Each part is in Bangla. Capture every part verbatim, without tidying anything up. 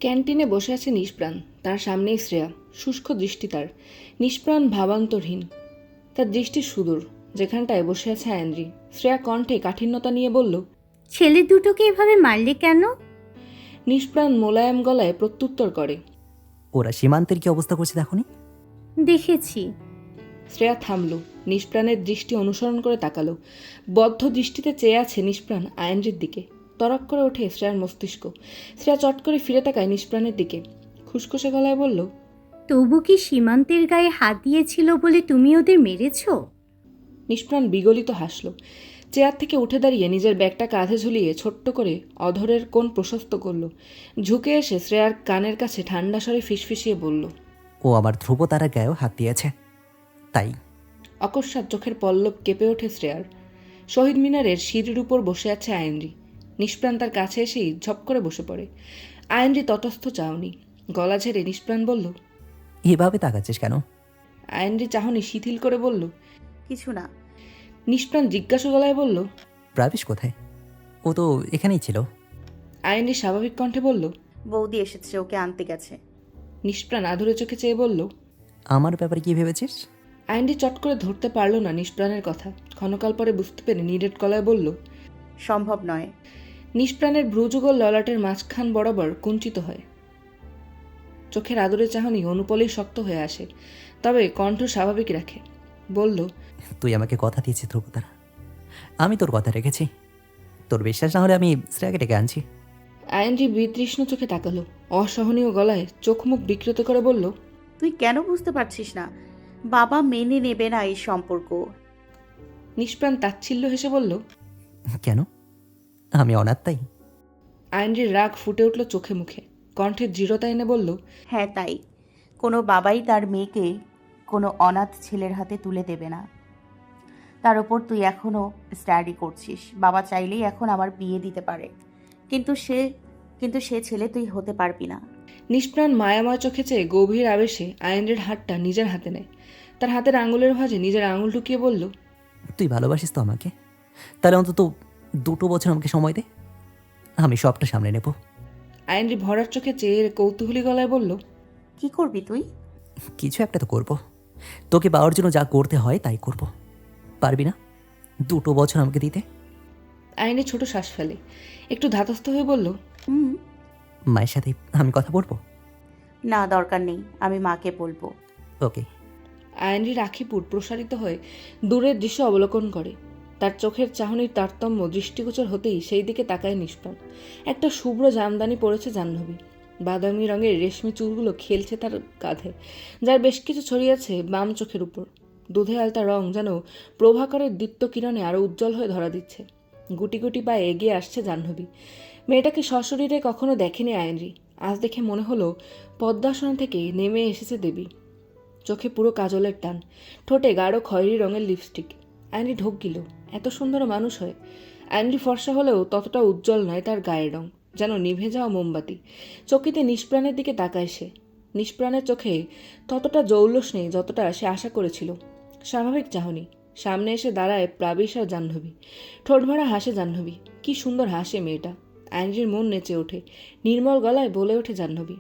ক্যান্টিনে বসে আছে নিষ্প্রাণ, তার সামনেই শ্রেয়া, শুষ্ক দৃষ্টি তার, নিষ্প্রাণ ভাবান্তরহীন। তার দৃষ্টি সুদূর, যেখানটায় বসে আছে আয়নরি। শ্রেয়া কণ্ঠে কাঠিন্যতা নিয়ে বলল, ছেলে দুটোকে এভাবে মারলে কেন? নিষ্প্রাণ মোলায়েম গলায় প্রত্যুত্তর করে, ওরা সীমান্তের কি অবস্থা করছে দেখনি? দেখেছি। শ্রেয়া থামল, নিষ্প্রাণের দৃষ্টি অনুসরণ করে তাকালো। বদ্ধ দৃষ্টিতে চেয়ে আছে নিষ্প্রাণ আয়নরির দিকে। তরক করে ওঠে শ্রেয়ার মস্তিষ্ক। শ্রেয়া চট করে ফিরে তাকায় নিষ্প্রাণের দিকে, খুসখুসে গলায় বলল, তবু কি সীমান্তের গায়ে হাত দিয়েছিল বলে তুমি ওদের মেরেছ? নিষ্প্রাণ বিগলিত হাসল। চেয়ার থেকে উঠে দাঁড়িয়ে নিজের ব্যাগটা কাঁধে ঝুলিয়ে ছোট্ট করে অধরের কোণ প্রশস্ত করল। ঝুঁকে এসে শ্রেয়ার কানের কাছে ঠান্ডা স্বরে ফিসফিসিয়ে বলল, ও আমার ধ্রুব তারা গায়েও হাত দিয়েছে, তাই। অকস্মাৎ চোখের পল্লব কেঁপে ওঠে শ্রেয়ার। শহীদ মিনারের সিঁড়ির উপর বসে আছে আয়নরি। নিষ্প্রাণ তার কাছে এসেই ঝপ করে বসে পড়ে। আয়নরি তটস্থ চাহনি, গলা ঝেড়ে নিষ্প্রাণ বলল, এভাবে তাকাচ্ছিস কেন? আয়নরি চাহনি শিথিল করে বলল, কিছু না। নিষ্প্রাণ জিজ্ঞাসা গলায় বলল, প্রাবিশ কোথায়? ও তো এখানেই ছিল। আয়নরি স্বাভাবিক কণ্ঠে বলল। বৌদি এসেছে, ওকে আনতে গেছে। নিষ্প্রাণ আধুরে চোখে চেয়ে বলল, আমার ব্যাপারে কি ভেবেছিস? আয়নরি চট করে ধরতে পারল না নিষ্প্রাণের কথা। ক্ষণকাল পরে বুঝতে পেরে নিরেট গলায় বলল, সম্ভব নয়। নিষ্প্রাণের ভ্রুযুগল ললাটের মাঝখান বরাবর কুঞ্চিত হয়। চোখের আদরে চাহনি অনুপলেই শক্ত হয়ে আসে, তবে কণ্ঠ স্বাভাবিক রাখে। বলল, তুই আমাকে কথা দিয়েছিস ধ্রুব তারা, আমি তোর কথা রেখেছি। তোর বিশ্বাস না হলে আমি শ্রেয়াকে ডেকে আনছি। আয়নরি বিতৃষ্ণ চোখে তাকালো, অসহনীয় গলায় চোখ মুখ বিকৃত করে বলল, তুই কেন বুঝতে পারছিস না? বাবা মেনে নেবে না এই সম্পর্ক। নিষ্প্রাণ তাচ্ছিল্য হেসে বলল, কেন? আমি অনাথ তাই? আয়নরির রাগ ফুটে উঠল চোখে মুখে, কণ্ঠের দৃঢ়তা এনে বলল, হ্যাঁ তাই। কোনো বাবাই তার মেয়েকে কোনো অনাথ ছেলের হাতে তুলে দেবে না। তার ওপর তুই এখনও স্টাডি করছিস। বাবা চাইলেই এখন আমার বিয়ে দিতে পারে, কিন্তু সে কিন্তু সে ছেলে তুই হতে পারবি না। নিষ্প্রাণ মায়াময় চোখে চেয়ে গভীর আবেশে আয়নরির হাতটা নিজের হাতে নেয়। তার হাতের আঙুলের ভাঁজে নিজের আঙুল ঢুকিয়ে বলল, তুই ভালোবাসিস তো আমাকে? তাহলে অন্তত দুটো বছর আমাকে সময় দে, আমি সবটা সামনে নেব। আয়নরি ভরার চোখে চেয়ে কৌতূহলী গলায় বলল, কি করবি তুই? কিছু একটা তো করব। তোকে পাওয়ার জন্য যা করতে হয় তাই করব। পারবি না দুটো বছর আমাকে দিতে? আয়নরি ছোট শ্বাস ফেলে, একটু ধাতস্থ হয়ে বলল, হুম। মায়ের সাথে আমি কথা বলবো। না, দরকার নেই, আমি মাকে বলবো। ওকে। আয়নরির আখিপুর প্রসারিত হয়ে দূরের দৃশ্য অবলোকন করে। তার চোখের চাহনির তারতম্য দৃষ্টিগোচর হতেই সেই দিকে তাকায় নিষ্প্রাণ। একটা শুভ্র জামদানি পড়েছে জাহ্নবী, বাদামি রঙের রেশমি চুলগুলো খেলছে তার কাঁধে, যার বেশ কিছু ছড়িয়েছে বাম চোখের উপর। দুধে আলতা রং যেন প্রভাকরের দীপ্ত কিরণে আরও উজ্জ্বল হয়ে ধরা দিচ্ছে। গুটি গুটি পায়ে এগিয়ে আসছে জাহ্নবী। মেয়েটাকে সশরীরে কখনো দেখেনি আয়নরি, আজ দেখে মনে হলো পদ্মাসন থেকে নেমে এসেছে দেবী। চোখে পুরো কাজলের টান, ঠোঁটে গাঢ় খয়েরি রঙের লিপস্টিক। আয়নরি ঢোক গিল, এত সুন্দর মানুষ হয়। আয়নরি ফর্সা হলেও ততটা উজ্জ্বল নয় তার গায়ের রং, যেন নিভে যাওয়া মোমবাতি। চকিতে নিষ্প্রাণের দিকে তাকায় সে। নিষ্প্রাণের চোখে ততটা জৌলস নেই যতটা সে আশা করেছিল। স্বাভাবিক চাহনি। সামনে এসে দাঁড়ায় প্রাবিশ আর জাহ্নবী। ঠোঁট ভরা হাসে জাহ্নবী, কি সুন্দর হাসে মেয়েটা। আয়নরির মন নেচে ওঠে, নির্মল গলায় বলে ওঠে জাহ্নবী,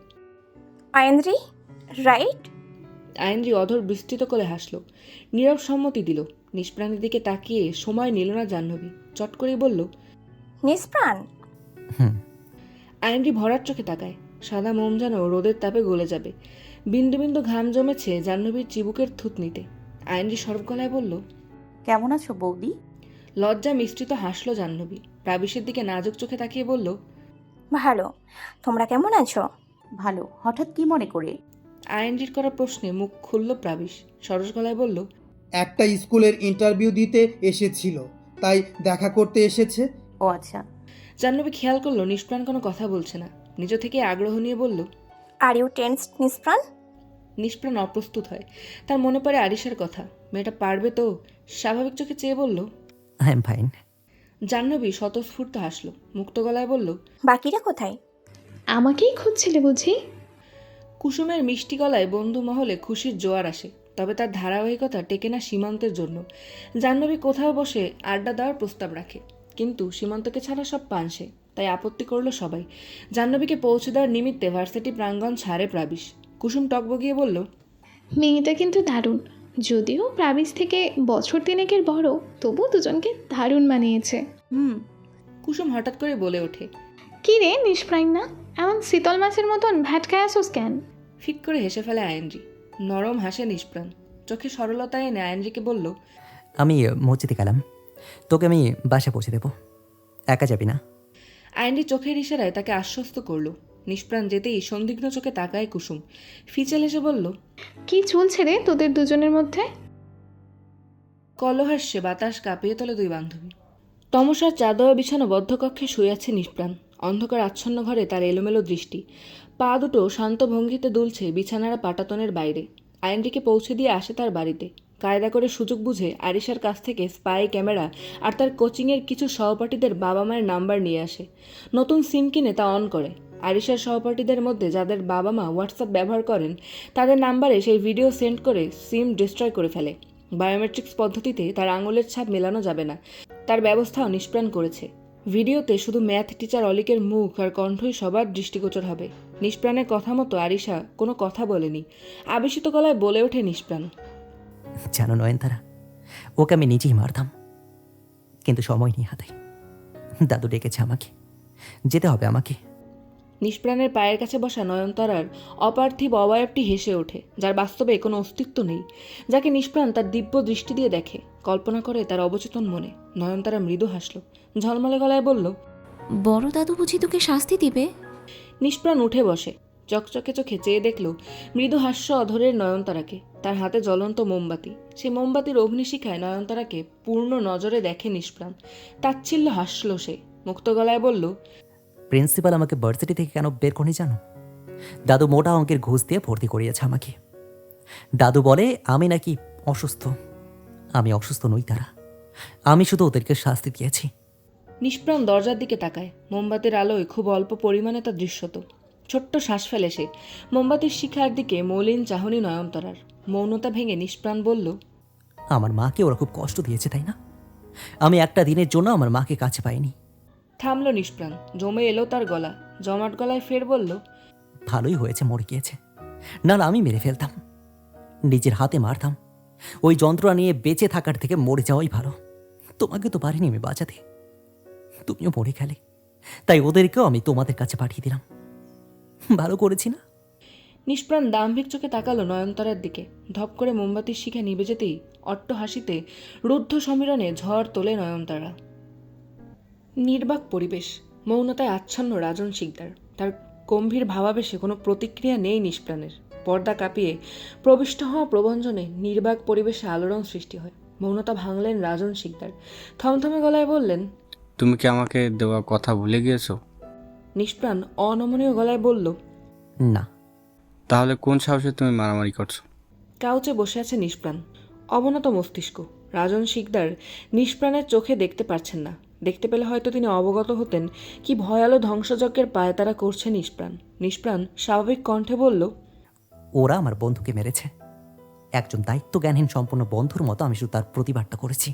আয়নরি, রাইট? আয়নরি অধর বিস্তৃত করে হাসল, নীরব সম্মতি দিল। নিষ্প্রাণের দিকে তাকিয়ে সময় নিল না জাহ্নবী, চট করেই বলল, নিষ্প্রাণ। হুম। আয়নরি ভরার চোখে তাকায়, সাদা মোম যেন রোদের তাপে গলে যাবে। বিন্দু বিন্দু ঘাম জমেছে জাহ্নবীর চিবুকের থুতনিতে। আয়নরি সরব গলায় বলল, কেমন আছো বৌদি? লজ্জা মিশ্রিত হাসল জাহ্নবী, প্রাবিশের দিকে নাজুক চোখে তাকিয়ে বলল, ভালো। তোমরা কেমন আছো? ভালো। হঠাৎ কি মনে করে? আয়নরির করা প্রশ্নে মুখ খুলল প্রাবিশ, সরস গলায় বলল, একটা স্কুলের ইন্টারভিউ দিতে এসেছিল, তাই দেখা করতে এসেছে। ও আচ্ছা। জাহ্নবী খেয়াল করলো নিষ্প্রাণ কোনো কথা বলছে না, নিজ থেকে আগ্রহ নিয়ে বলল, আর ইউ টেন্সড নিষ্প্রাণ? নিষ্প্রাণ অপ্রস্তুত হয়, তার মনে পড়ে আরিশার কথা। মেয়েটা পারবে তো? স্বাভাবিক চোখে চেয়ে বলল, আই এম ফাইন। জাহ্নবী স্বতঃস্ফূর্ত হাসল, মুক্ত গলায় বলল, বাকিরা কোথায়? আমাকেই খুঁজছিলে বুঝি? কুসুমের মিষ্টি গলায় বন্ধু মহলে খুশির জোয়ার আসে, তবে তার ধারাবাহিকতা টেকে না সীমান্তের জন্য। জাহ্নবী কোথাও বসে আড্ডা দেওয়ার প্রস্তাব রাখে, কিন্তু সীমান্তকে ছাড়া সব পান সে। তাই আপত্তি করলো সবাই। জাহ্নবীকে পৌঁছে দেওয়ার নিমিত্তে ভার্সিটি প্রাঙ্গণ ছাড়ে প্রাবিশ। কুসুম টকবগিয়ে বলল, মেয়েটা কিন্তু দারুণ। যদিও প্রাবিস থেকে বছর তিনেকের বড়, তবু দুজনকে দারুণ মানিয়েছে। হুম। কুসুম হঠাৎ করে বলে ওঠে। কি রে নিষ্প্রাণ না, এমন শীতল মাছের মতন ভ্যাটকায় আসোস কেন? ফিক করে হেসে ফেলে আয়েনজি। নরম হাসে নিষ্প্রাণ। চোখে সরলতা এনে আয়েনজিকে বলল, আমি মসজিদে গেলাম, তোকে আমি বাসা পৌঁছে দেবো, একা যাবি না? আয়েনজি চোখের ইশারায় তাকে আশ্বস্ত করল। নিষ্প্রাণ যেতেই সন্দিগ্ধ চোখে তাকায় কুসুম। ফিচেল এসে বলল, কি চলছে রে তোদের দুজনের মধ্যে? কলহাস্যে বাতাস কাঁপিয়ে তোলে দুই বান্ধবী। তমসার চাদর বিছানো বদ্ধ কক্ষে শুয়ে আছে নিষ্প্রাণ। অন্ধকার আচ্ছন্ন ঘরে তার এলোমেলো দৃষ্টি। পা দুটো শান্ত ভঙ্গিতে দুলছে বিছানার পাটাতনের বাইরে। আইনটিকে পৌঁছে দিয়ে আসে তার বাড়িতে। কায়দা করে সুযোগ বুঝে আরিশার কাছ থেকে স্পাই ক্যামেরা আর তার কোচিংয়ের কিছু সহপাঠীদের বাবা মায়ের নাম্বার নিয়ে আসে। নতুন সিম কিনে তা অন করে। আরিশার সহপাঠীদের মধ্যে যাদের বাবা মা হোয়াটসঅ্যাপ ব্যবহার করেন তাদের নাম্বারে সেই ভিডিও সেন্ড করে সিম ডিস্ট্রয় করে ফেলে। বায়োমেট্রিক্স পদ্ধতিতে তার আঙুলের ছাপ মেলানো যাবে না, তার ব্যবস্থাও নিষ্প্রাণ করেছে। ভিডিওতে শুধু ম্যাথ টিচার অলিকের মুখ আর কণ্ঠই সবার দৃষ্টিগোচর হবে। নিষ্প্রাণের কথা মতো আরিশা কোনো কথা বলেনি। আবেশিত গলায় বলে ওঠে নিষ্প্রাণ, জানো নয়নতারা, ওকে আমি নিজেই মারতাম, কিন্তু সময় নেই হাতে। দাদু ডেকেছে আমাকে, যেতে হবে আমাকে। নিষ্প্রাণের পায়ের কাছে বসা নয়নতারার অপার্থিব অবয়বটি হেসে ওঠে, যার বাস্তবে কোনো অস্তিত্ব নেই, যাকে নিষ্প্রাণ তার দিব্য দৃষ্টি দিয়ে দেখে, কল্পনা করে তার অবচেতন মনে। নয়নতারা মৃদু হাসল, ঝলমলে গলায় বলল, বড় দাদু বুঝি তোকে শাস্তি দিবে? নিষ্প্রাণ উঠে বসে, চকচকে চোখে চেয়ে দেখল মৃদু হাস্য অধরের নয়নতারাকে। তার হাতে জ্বলন্ত মোমবাতি। সে মোমবাতির অগ্নিশিখায় নয়নতারাকে পূর্ণ নজরে দেখে নিষ্প্রাণ। তাচ্ছিল্য হাসল সে, মুক্ত গলায় বলল, প্রিন্সিপাল আমাকে ভার্সিটি থেকে কেন বের করে জানো? দাদু মোটা অঙ্কের ঘুষ দিয়ে ভর্তি করিয়েছে আমাকে। দাদু বলে আমি নাকি অসুস্থ। আমি অসুস্থ নই তারা, আমি শুধু ওদেরকে শাস্তি দিয়েছি। নিষ্প্রাণ দরজার দিকে তাকায়। মোমবাতির আলোয় খুব অল্প পরিমাণে তা দৃশ্যত। ছোট্ট শ্বাস ফেলে সে। মোমবাতির শিখার দিকে মলিন চাহনি নয়নতারার। মৌনতা ভেঙে নিষ্প্রাণ বলল, আমার মাকে ওরা খুব কষ্ট দিয়েছে, তাই না? আমি একটা দিনের জন্য আমার মাকে কাছে পাইনি। থামল নিষ্প্রাণ। জমে এলো তার গলা। জমাট গলায় ফের বলল, ভালোই হয়েছে মরে গিয়েছে, নাহলে আমি মেরে ফেলতাম, নিজের হাতে মারতাম। ওই যন্ত্রণা নিয়ে বেঁচে থাকার থেকে মরে যাওয়াই ভালো। তোমাকে তো পারিনি আমি বাঁচাতে, তুমিও মরে গেলে, তাই ওদেরকেও আমি তোমাদের কাছে পাঠিয়ে দিলাম। ভালো করেছি না? নিষ্প্রাণ দাম্ভিক চোখে তাকালো নয়নতারার দিকে। ধপ করে মোমবাতির শিখা নিভে যেতেই অট্ট হাসিতে রুদ্ধ সমীরণে ঝড় তোলে নয়নতারা। নির্বাক পরিবেশ, মৌনতায় আচ্ছন্ন রাজন শিকদার। তার গম্ভীর ভাবাবেশে কোনো প্রতিক্রিয়া নেই নিষ্প্রাণের। পর্দা কাঁপিয়ে প্রবিষ্ট হওয়া প্রবঞ্জনে নির্বাক পরিবেশে আলোড়ন সৃষ্টি হয়। মৌনতা ভাঙলেন রাজন শিকদার। থমথমে গলায় বললেন, তুমি কি আমাকে দেওয়া কথা ভুলে গিয়েছো? নিষ্প্রাণ অনমনীয় গলায় বলল, না। তাহলে কোন সাহসে তুমি মারামারি করছো? কাউচে বসে আছে নিষ্প্রাণ, অবনত মস্তিষ্ক। রাজন শিকদার নিষ্প্রাণের চোখে দেখতে পারছেন না। দেখতে পেলে হয়তো তিনি অবগত হতেন কি ভয়ালো ধ্বংসযজ্ঞের পায়ে তারা করছে নিষ্প্রাণ। নিষ্প্রাণ স্বাভাবিক কণ্ঠে বলল, ওরা আমার বন্ধুকে মেরেছে। একজন দায়িত্ব জ্ঞানহীন সম্পূর্ণ বন্ধুর মতো আমি শুধু তার প্রতিবাদটা করেছি।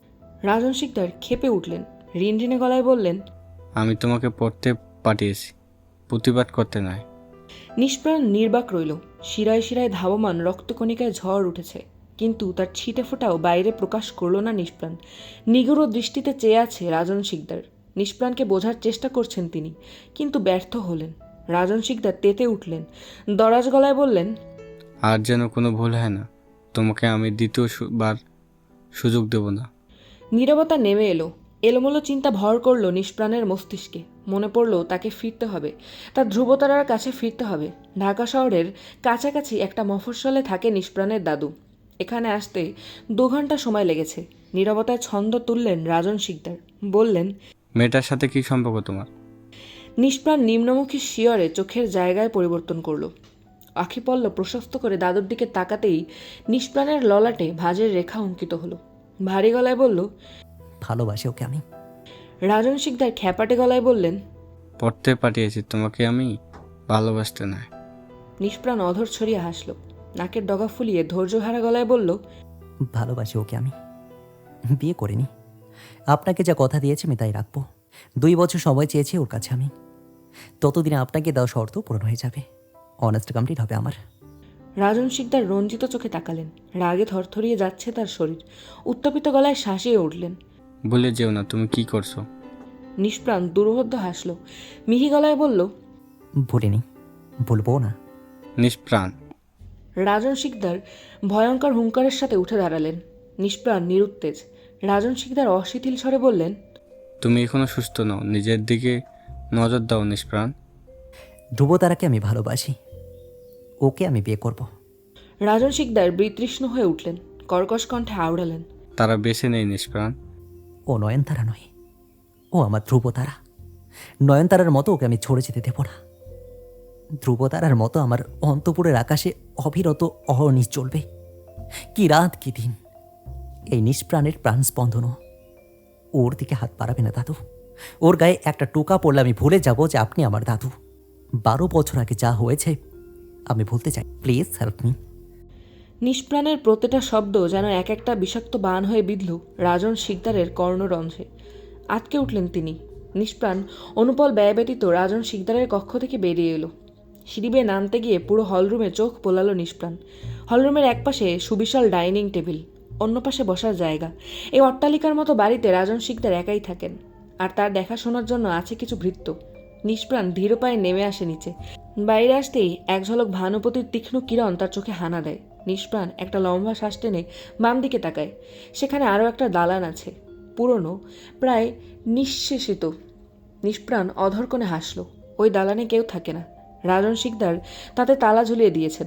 রাজন শিকদার ক্ষেপে উঠলেন, রিনরিনে গলায় বললেন, আমি তোমাকে পড়তে পাঠিয়েছি, প্রতিবাদ করতে নয়। নিষ্প্রাণ নির্বাক রইল। শিরায় শিরায় ধাবমান রক্তকণিকায় ঝড় উঠেছে, কিন্তু তার ছিটে ফোটাও বাইরে প্রকাশ করল না নিষ্প্রাণ। নিগুড় দৃষ্টিতে চেয়ে আছে রাজন শিকদার। নিষ্প্রাণকে বোঝার চেষ্টা করছেন তিনি, কিন্তু ব্যর্থ হলেন। রাজন শিকদার তেতে উঠলেন, দরাজ গলায় বললেন, আর যেন কোনো ভুল হয় না, তোমাকে আমি দ্বিতীয় সু- বার সুযোগ দেব না। নীরবতা নেমে এলো। এলোমেলো চিন্তা ভর করল নিষ্প্রাণের মস্তিষ্কে। মনে পড়ল তাকে ফিরতে হবে, তার ধ্রুবতারার কাছে ফিরতে হবে। ঢাকা শহরের কাছাকাছি একটা মফস্বলে থাকে নিষ্প্রাণের দাদু। এখানে আসতে দু ঘন্টা সময় লেগেছে। নীরবতায় ছন্দ তুললেন রাজন শিকদার, বললেন, মেয়েটার সাথে কি সম্পর্ক তোমার? নিষ্প্রাণ নিম্নমুখী শিয়রে চোখের জায়গায় পরিবর্তন করল। আখিপল্ল প্রশস্ত করে দাদুর দিকে তাকাতেই নিষ্প্রাণের ললাটে ভাঁজের রেখা অঙ্কিত হলো। ভারী গলায় বলল, ভালোবাসি ওকে আমি। রাজন শিকদার খ্যাপাটে গলায় বললেন, পড়তে পাঠিয়েছি, তোমাকে আমি ভালোবাসতে নয়। নিষ্প্রাণ অধর ছড়িয়ে হাসল। নাকের ডগা ফুলিয়ে ধৈর্যহারা গলায় বলল, ভালোবাসি ওকে আমি, বিয়ে করিনি। আপনাকে যা কথা দিয়েছি আমি তাই রাখবো। দুই বছর সময় চেয়েছি ওর কাছে আমি। ততদিনে আপনাকে দেওয়া শর্ত পূরণ হয়ে যাবে, অনার্সটা কমপ্লিট হবে আমার। রাজন শিকদার রঞ্জিত চোখে তাকালেন। রাগে থরথরিয়ে যাচ্ছে তার শরীর। উত্তপিত গলায় শাঁসিয়ে উঠলেন। বলে যেও না তুমি কি করছো। নিষ্প্রাণ দুর্বোধ্য হাসল, মিহি গলায় বলল, ভুলিনি, বলবো না। নিষ্প্রাণ। রাজন শিকদার ভয়ঙ্কর হুঙ্কারের সাথে উঠে দাঁড়ালেন। নিষ্প্রাণ নিরুত্তেজ। রাজন শিকদার অশিথিল স্বরে বললেন, তুমি এখনো সুস্থ নও, নিজের দিকে নজর দাও নিষ্প্রাণ। ধ্রুবতারাকে আমি ভালোবাসি, ওকে আমি বিয়ে করব। রাজন শিকদার বিতৃষ্ণ হয়ে উঠলেন, কর্কশ কণ্ঠে আওড়ালেন, তারা বেছে নেই নিষ্প্রাণ। ও নয়নতারা নয়, ও আমার ধ্রুবতারা। নয়নতারার মতো ওকে আমি ছড়ে যেতে দেব না। ধ্রুবতারার মতো আমার অন্তপুরের আকাশে অবিরত অহর্নিশ চলবে, কি রাত কি দিন। এই নিষ্প্রাণের প্রাণ স্পন্দনও ওর দিকে হাত বাড়াবে না দাদু। ওর গায়ে একটা টোকা পড়লে আমি ভুলে যাব যে আপনি আমার দাদু। বারো বছর আগে যা হয়েছে আমি ভুলতে চাই, প্লিজ হেল্প মি। নিষ্প্রাণের প্রতিটা শব্দ যেন এক একটা বিষাক্ত বান হয়ে বিঁধল রাজন শিকদারের কর্ণরন্ধ্রে। আটকে উঠলেন তিনি। নিষ্প্রাণ অনুপল ব্যয় ব্যতীত রাজন শিকদারের কক্ষ থেকে বেরিয়ে এলো। সিঁড়ি বেয়ে নামতে গিয়ে পুরো হলরুমে চোখ পোলালো নিষ্প্রাণ। হলরুমের একপাশে সুবিশাল ডাইনিং টেবিল, অন্য পাশে বসার জায়গা। এই অট্টালিকার মতো বাড়িতে রাজন শিকদার একাই থাকেন, আর তার দেখাশোনার জন্য আছে কিছু ভৃত্য। নিষ্প্রাণ ধীর পায়ে নেমে আসে নিচে। বাইরে আসতেই এক ঝলক ভানুপতির তীক্ষ্ণ কিরণ তার চোখে হানা দেয়। নিষ্প্রাণ একটা লম্বা শ্বাস টেনে বাম দিকে তাকায়। সেখানে আরও একটা দালান আছে, পুরনো, প্রায় নিঃশেষিত। নিষ্প্রাণ অধরকণে হাসল। ওই দালানে কেউ থাকে না। রাজন শিকদার তাতে তালা ঝুলিয়ে দিয়েছেন,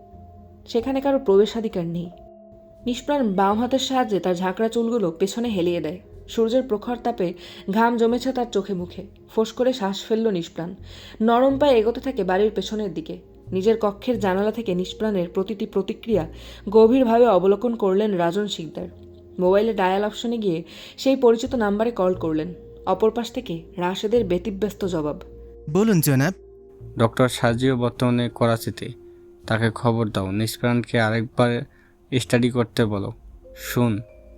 সেখানে কারো প্রবেশাধিকার নেই। নিষ্প্রাণ বাম হাতের সাহায্যে তার ঝাঁকড়া চুলগুলো পেছনে হেলিয়ে দেয়। সূর্যের প্রখর তাপে ঘাম জমেছে তার চোখে মুখে। ফোঁস করে শ্বাস ফেলল নিষ্প্রাণ। নরম পায়ে এগোতে থাকে বাড়ির পেছনের দিকে। নিজের কক্ষের জানালা থেকে নিষ্প্রাণের প্রতিটি প্রতিক্রিয়া গভীরভাবে অবলোকন করলেন রাজন শিকদার। মোবাইলে ডায়াল অপশনে গিয়ে সেই পরিচিত নাম্বারে কল করলেন। অপর পাশ থেকে রাশেদের ব্যতিব্যস্ত জবাব, বলুন জনাব। ডক্টর সাজিও বর্তমানে করাচিতে, তাকে খবর দাও, নিষ্প্রাণকে আরেকবার স্টাডি করতে বলো। শুন।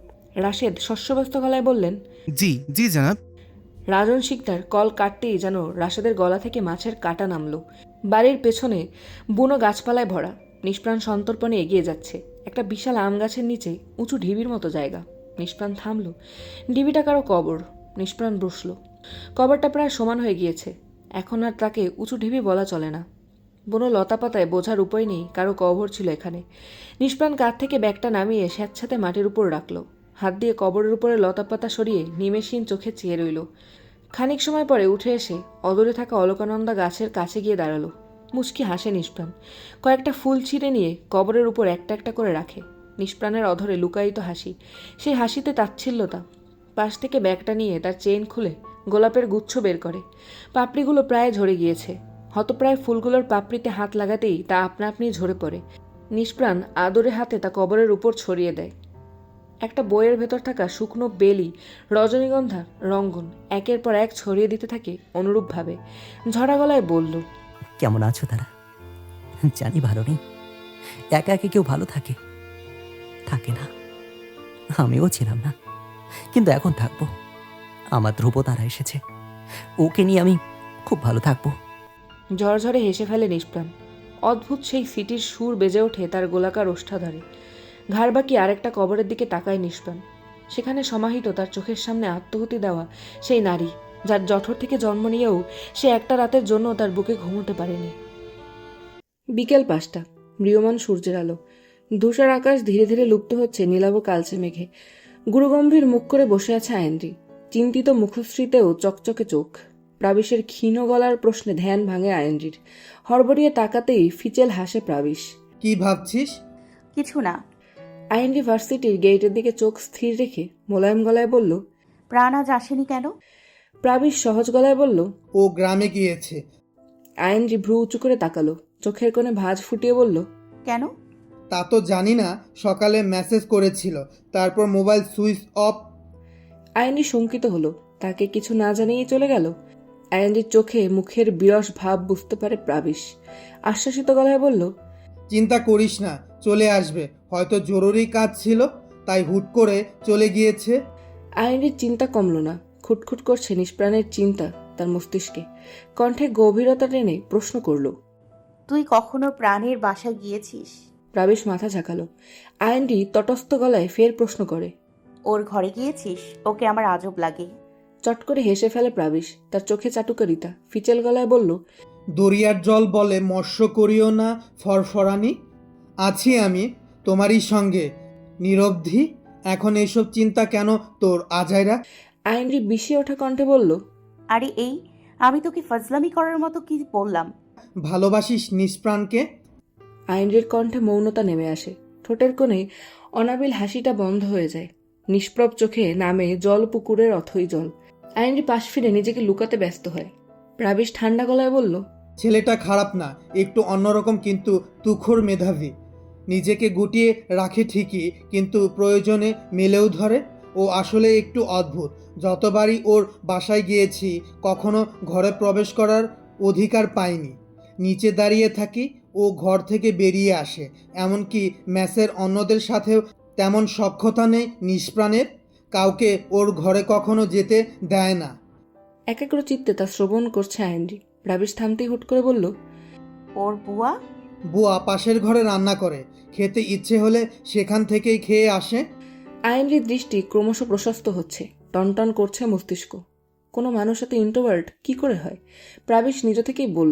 রাশেদ শস্যব্যস্ত গলায় বললেন, জি জি জনাব। রাজন শিকদার কল কাটতেই যেন রাশেদের গলা থেকে মাছের কাঁটা নামলো। বাড়ির পেছনে বুনো গাছপালায় ভরা। নিষ্প্রাণ সন্তর্পণে এগিয়ে যাচ্ছে। একটা বিশাল আম গাছের নিচে উঁচু ঢিবির মতো জায়গা। নিষ্প্রাণ থামল। ঢিবিটা কারো কবর। নিষ্প্রাণ বসল। কবরটা প্রায় সমান হয়ে গিয়েছে। এখন আর তাকে উঁচু ঢিবি বলা চলে না। বুনো লতাপাতায় বোঝার উপায় নেই কারো কবর ছিল এখানে। নিষ্প্রাণ কাঁধ থেকে ব্যাগটা নামিয়ে স্যাঁতস্যাঁতে মাটির উপর রাখল। হাত দিয়ে কবরের উপরে লতাপাতা সরিয়ে নিমেষহীন চোখে চেয়ে রইল। খানিক সময় পরে উঠে এসে অদূরে থাকা অলকানন্দা গাছের কাছে গিয়ে দাঁড়ালো। মুচকি হাসে নিষ্প্রাণ। কয়েকটা ফুল ছিঁড়ে নিয়ে কবরের উপর একটা একটা করে রাখে। নিষ্প্রাণের অধরে লুকায়িত হাসি, সেই হাসিতে তাচ্ছিল্যতা। পাশ থেকে ব্যাগটা নিয়ে তার চেইন খুলে গোলাপের গুচ্ছ বের করে। পাপড়িগুলো প্রায় ঝরে গিয়েছে। হতপ্রায় ফুলগুলোর পাপড়িতে হাত লাগাতেই তা আপনা আপনি ঝরে পড়ে। নিষ্প্রাণ আদরে হাতে তা কবরের উপর ছড়িয়ে দেয়। একটা বইয়ের ভেতর থাকা শুকনো বেলি, রজনীগন্ধা, রঙ্গন একের পর এক ছড়িয়ে দিতে থাকে অনুরূপভাবে। ঝরা গলায় বলল, কেমন আছো তারা? জানি ভালো নেই, একা একে কেউ ভালো থাকে থাকে না। আমিও ছিলাম না, কিন্তু এখন থাকবো। আমার ধ্রুব তারা এসেছে, ওকে নিয়ে আমি খুব ভালো থাকবো। ঝরঝরে হেসে ফেলে নিষ্প্রাণ। অদ্ভুত সেই সিটির সুর বেজে ওঠে তার গোলাকার ওষ্ঠাধরে। ঘাড় বাকি আরেকটা কবরের দিকে তাকায় নিষ্প্রাণ। সেখানে সমাহিত তার চোখের সামনে আত্মহতি দেওয়া সেই নারী, যার জঠর থেকে জন্ম নিয়েও সে একটা রাতের জন্য তার বুকে ঘুমোতে পারেনি। বিকেল পাঁচটা, ম্রিয়মান সূর্যের আলো। ধূসর আকাশ ধীরে ধীরে লুপ্ত হচ্ছে নীলাভ কালচে মেঘে। গুরুগম্ভীর মুখ করে বসে আছে আয়েন্দ্রি। চিন্তিত মুখশ্রীতেও চকচকে চোখ। প্রাবিশের ক্ষীণ গলার প্রশ্নে ধ্যান ভাঙে আয়েন্দ্রির। হড়বড়িয়ে তাকাতেই ফিচেল হাসে প্রাবিশ। কি ভাবছিস? কিছু না। আইএনডি ভার্সিটির গেটের দিকে চোখ স্থির রেখে মোলায়েম গলায় বলল, প্রাণ আজ আসেনি কেন? প্রাবিশ সহজ গলায় বলল, ও গ্রামে গিয়েছে। আইএনডি ভ্রু উঁচু করে তাকালো। চোখের কোণে ভাঁজ ফুটিয়ে বলল, কেন? তা তো জানি না, সকালে মেসেজ করেছিল, তারপর মোবাইল সুইচ অফ। আইএনডি শঙ্কিত হলো। তাকে কিছু না জানিয়েই চলে গেল। আইএনডির চোখে মুখের বিরস ভাব বুঝতে পারে প্রাবিশ। আশ্বাসিত গলায় বলল, চিন্তা করিস না, চলে আসবে, হয়তো জরুরি কাজ ছিল তাই হুট করে চলে গিয়েছে। আইএনডির চিন্তা কমল না। খুটখুট করছে নিষ্প্রাণের চিন্তা তার মস্তিষ্কে। কণ্ঠে গভীরতা টেনে প্রশ্ন করল, তুই কখনো প্রাণের বাসায় গিয়েছিস? প্রাবেশ মাথা ঝাঁকালো। আইনটি তটস্থ গলায় ফের প্রশ্ন করে, ওর ঘরে গিয়েছিস? ওকে আমার আজব লাগে। চট করে হেসে ফেলে প্রাবেশ। তার চোখে চাটুকারিতা। ফিচেল গলায় বলল, দরিয়ার জল বলে মৎস্য করিও না ফরফরানি। আছি আমি তোমারই সঙ্গে নিরবধি। এখন এইসব চিন্তা কেন তোর আজাইরা? আইনরি বিষিয়ে ওঠা কণ্ঠে বলল, আরে এই, আমি তোকে ফজলামি করার মতো কি বললাম? ভালোবাসিস নিষ্প্রাণকে? আইনরির কণ্ঠে মৌনতা নেমে আসে। ঠোঁটের কোণে অনাবিল হাসিটা বন্ধ হয়ে যায়। নিষ্প্রভ চোখে নামে জল পুকুরের অথই জল। আইনরি পাশ ফিরে নিজেকে লুকাতে ব্যস্ত হয়। প্রাবেশ ঠান্ডা গলায় বলল, ছেলেটা খারাপ না, একটু অন্যরকম, কিন্তু তুখোর মেধাবী। নিজেকে গুটিয়ে রাখে ঠিকই, কিন্তু প্রয়োজনে মেলেও ধরে। ও আসলে একটু অদ্ভুত। যতবারই ওর বাসায় গিয়েছি কখনো ঘরে প্রবেশ করার অধিকার পাইনি। নিচে দাঁড়িয়ে থাকি, ও ঘর থেকে বেরিয়ে আসে। এমনকি ম্যাচের অন্যদের সাথেও তেমন সখ্যতা নেই নিষ্প্রাণের। কাউকে ওর ঘরে কখনো যেতে দেয় না। একাগ্র চিত্তে তা শ্রবণ করছে আইনরি। প্রাবেশ থামতেই হুট করে বলল, ওর বুয়া? বুয়া পাশের ঘরে রান্না করে, খেতে ইচ্ছে হলে সেখান থেকেই খেয়ে আসে। আইনরির দৃষ্টি ক্রমশ প্রশস্ত হচ্ছে। টনটন করছে মস্তিষ্ক। কোনো মানুষ এত ইন্ট্রোভার্ট কি করে হয়? প্রাবেশ নিজ থেকেই বলল,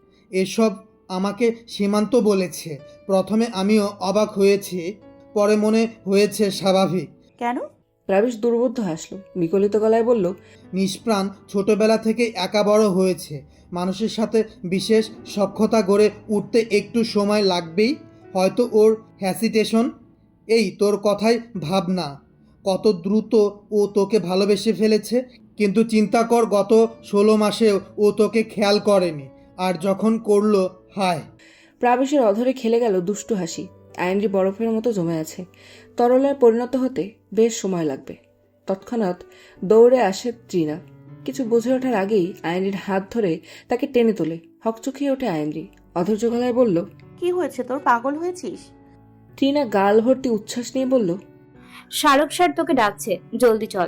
এসব আমাকে সীমান্ত বলেছে। প্রথমে আমিও অবাক হয়েছি, পরে মনে হয়েছে স্বাভাবিক। কেন? প্রাবেশ দুর্বোধ্য হাসল। বিকলিত গলায় বলল, নিষ্প্রাণ ছোটবেলা থেকে একা বড় হয়েছে। মানুষের সাথে বিশেষ সখ্যতা গড়ে উঠতে একটু সময় লাগবেই। হয়তো ওর হ্যাসিটেশন। এই তোর কথাই ভাব না, কত দ্রুত ও তোকে ভালোবেসে ফেলেছে। কিন্তু চিন্তা কর, গত ষোলো মাসেও ও তোকে খেয়াল করেনি, আর যখন করলো, হায়। প্রাবেশের অধরে খেলে গেল দুষ্টু হাসি। আইনরি বরফের মতো জমে আছে। তরলে পরিণত হতে বেশ সময় লাগবে। তৎক্ষণাৎ দৌড়ে আসে ট্রিনা। কিছু বুঝে ওঠার আগেই আইনরির হাত ধরে তাকে টেনে তোলে। হকচকিয়ে ওঠে আইনরি। অধৈর্য গলায় বলল, কি হয়েছে তোর? পাগল হয়েছিস? ট্রিনা গাল ভর্তি উচ্ছ্বাস নিয়ে বলল, শাহরুখ স্যার তোকে ডাকছে, জলদি চল।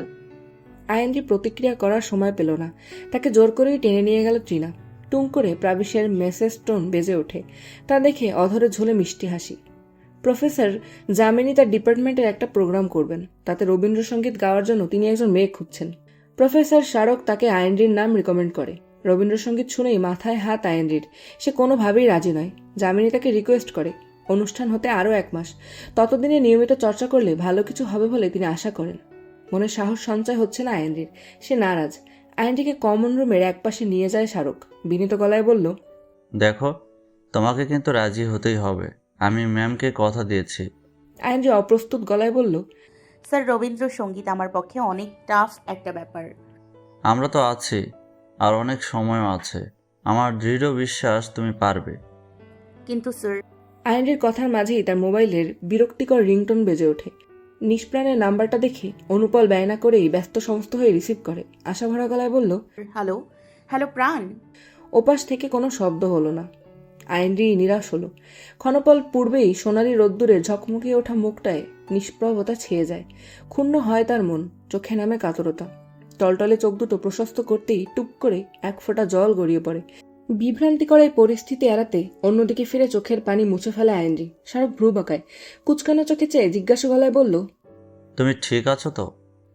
আইনরি প্রতিক্রিয়া করার সময় পেল না। তাকে জোর করেই টেনে নিয়ে গেল ট্রিনা। টুং করে প্রাবিশের মেসেজ টোন বেজে ওঠে। তা দেখে অধরে ঝোলে মিষ্টি হাসি। প্রফেসর জামিনী তার ডিপার্টমেন্টের একটা প্রোগ্রাম করবেন। তাতে রবীন্দ্রসঙ্গীত গাওয়ার জন্য তিনি একজন মেয়ে খুঁজছেন। প্রফেসর শারক তাকে আইনরির নাম রিকমেন্ড করে। রবীন্দ্রসঙ্গীত শুনেই মাথায় হাত আইনরির। সে কোনোভাবেই রাজি নয়। জামিনী তাকে রিকোয়েস্ট করে। অনুষ্ঠান হতে আরও এক মাস, ততদিনে নিয়মিত চর্চা করলে ভালো কিছু হবে বলে তিনি আশা করেন। মনে সাহস সঞ্চয় হচ্ছে না আইনরির। সে নারাজ। আইনটিকে কমন রুমের একপাশে নিয়ে যায় শাহরুখ। বিনীত গলায় বলল, দেখো, তোমাকে কিন্তু রাজি হতেই হবে। আমি ম্যামকে কথা দিয়েছি। আইনরি অপ্রস্তুত গলায় বলল, স্যার, রবীন্দ্রসঙ্গীত আমার পক্ষে অনেক টাফ একটা ব্যাপার। আমরা তো আছি, আর অনেক সময়ও আছে। আমার দৃঢ় বিশ্বাস তুমি পারবে। কিন্তু স্যার। আইনরির কথার মাঝেই তার মোবাইলের বিরক্তিকর রিংটোন বেজে ওঠে। নিষ্প্রাণের নাম্বারটা দেখে অনুপল ব্যয় না করেই ব্যস্ত সমস্ত হয়ে রিসিভ করে। আশাভরা গলায় বলল, হ্যালো হ্যালো প্রাণ। ওপাশ থেকে কোনো শব্দ হলো না। আইনরি নিরাশ হলো। ক্ষণপল পূর্বেই সোনালি রোদ্দুরে ঝকমকিয়ে ওঠা মুখটায় নিষ্প্রভতা ছেয়ে যায়। ক্ষুণ্ণ হয় তার মন। চোখে নামে কাতরতা। টলটলে চোখ দুটো প্রশস্ত করতেই টুপ করে এক ফোঁটা জল গড়িয়ে পড়ে। বিভ্রান্তিকর এই পরিস্থিতি এড়াতে অন্যদিকে ফিরে চোখের পানি মুছে ফেলে আইনরি। শাহরুখ ভ্রু বাঁকায়। কুচকানো চোখে চেয়ে জিজ্ঞাসা গলায় বলল, তুমি ঠিক আছো তো?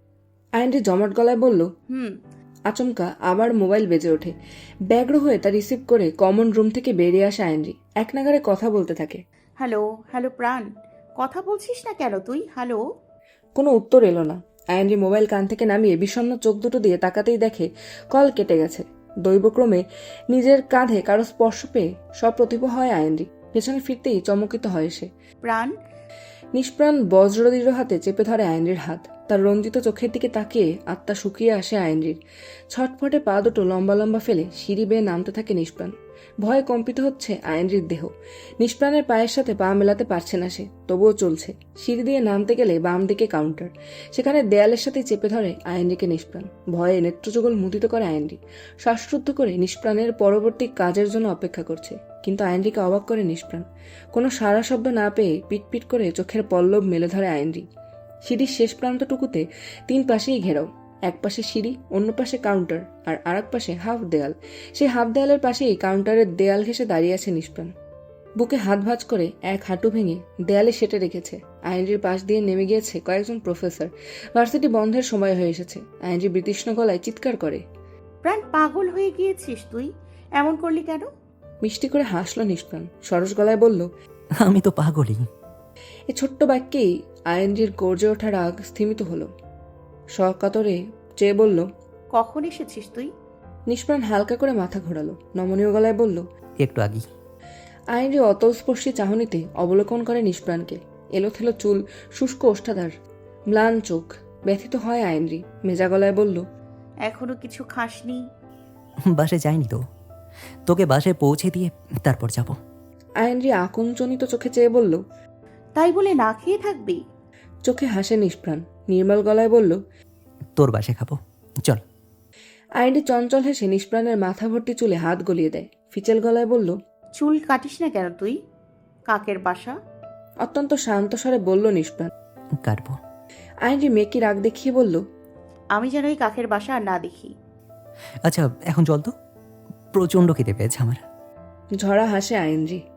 আইনরি জমাট গলায় বলল, হুম। আচমকা আবার মোবাইল বেজে ওঠে। ব্যগ্র হয়ে তা রিসিভ করে কমন রুম থেকে বেরিয়ে আসে আইনরি। এক নাগারে কথা বলতে থাকে। হ্যালো হ্যালো প্রাণ, কথা বলছিস না কেন তুই? হ্যালো। কোনো উত্তর এলো না। আইনরি মোবাইল কান থেকে নামিয়ে বিষণ্ণ চোখ দুটো দিয়ে তাকাতেই দেখে কল কেটে গেছে। দৈবক্রমে নিজের কাঁধে কারো স্পর্শ পেয়ে সব প্রতিভ হয় আইনরি। পেছনে ফিরতেই চমকিত হয় সে। প্রাণ। নিষ্প্রাণ বজ্রদৃঢ় হাতে চেপে ধরে আইনরির হাত। তার রঞ্জিত চোখের দিকে তাকিয়ে আত্মা শুকিয়ে আসে আইনরির। ছটফটে পা দুটো লম্বা লম্বা ফেলে সিঁড়ি বেয়ে নামতে থাকে নিষ্প্রাণ। ভয়ে কম্পিত হচ্ছে আইনরির দেহ। নিষ্প্রাণের পায়ের সাথে পা মেলাতে পারছে না সে, তবুও চলছে। সিঁড়ি দিয়ে নামতে গেলে বাম দিকে কাউন্টার। সেখানে দেয়ালের সাথে চেপে ধরে আইনরিকে নিষ্প্রাণ। ভয়ে নেত্রযুগল মুদিত করে আইনরি। শ্বাসরুদ্ধ করে নিষ্প্রাণের পরবর্তী কাজের জন্য অপেক্ষা করছে। কিন্তু আইনরিকে অবাক করে নিষ্প্রাণ। কোনো সারা শব্দ না পেয়ে পিটপিট করে চোখের পল্লব মেলে ধরে আইনরি। সিঁড়ির শেষ প্রান্তটুকুতে তিন পাশেই ঘেরাও। এক পাশে সিঁড়ি, অন্য পাশে কাউন্টার, আর আরেক পাশে হাফ দেয়াল। সেই হাফ দেয়ালের পাশেই কাউন্টারের দেয়াল ঘেঁষে দাঁড়িয়ে আছে নিষ্প্রাণ। বুকে হাত ভাঁজ করে এক হাঁটু ভেঙে দেয়ালে সেটে রেখেছে। আইনজির পাশ দিয়ে নেমে গিয়েছে কয়েকজন প্রফেসর। ভার্সিটি বন্ধের সময় হয়ে এসেছে। আইনজি বিতৃষ্ণ গলায় চিৎকার করে, প্রাণ পাগল হয়ে গিয়েছিস তুই, এমন করলি কেন? মিষ্টি করে হাসল নিষ্প্রাণ, সরস গলায় বলল, আমি তো পাগলই। এ ছোট্ট বাক্যেই আইনজির গর্জে ওঠা রাগ স্থিমিত হলো। সকাতরে চেয়ে বলল, কখন এসেছিস তুই? নিষ্প্রাণ হালকা করে মাথা ঘোরালো, নমনীয় গলায় বলল, একটু আগেই। আইনজি অতলস্পর্শী চাহনিতে অবলোকন করে নিষ্প্রাণকে। এলোথেলো চুল, শুষ্ক ওষ্ঠাধার, ম্লান চোখ। ব্যথিত হয় আইনজি, মেজা গলায় বলল, এখনো কিছু খাসনি? বাসে যাইনি তো, তোকে বাসে পৌঁছে দিয়ে তারপর যাব। আইনজি আকুঞ্চনিত চোখে চেয়ে বলল, তাই বলে না খেয়ে থাকবি? চোখে হাসে নিষ্প্রাণ, নির্মল গলায় বলল, তোর বাসে খাবো, চল। আইনজি চঞ্চল হেসে নিষ্প্রাণের মাথা ভর্তি চুলে হাত গলিয়ে দেয়। ফিচেল গলায় বলল, চুল কাটিস না কেন তুই? কাকের বাসা। অত্যন্ত শান্ত স্বরে বলল নিষ্প্রাণ। কাটবো। আইনজি মেকি রাগ দেখিয়ে বলল, আমি যেন এই কাকের বাসা আর না দেখি। আচ্ছা এখন চল তো, প্রচণ্ড খেতে পেয়েছে আমার। ঝরা হাসে আইনজি।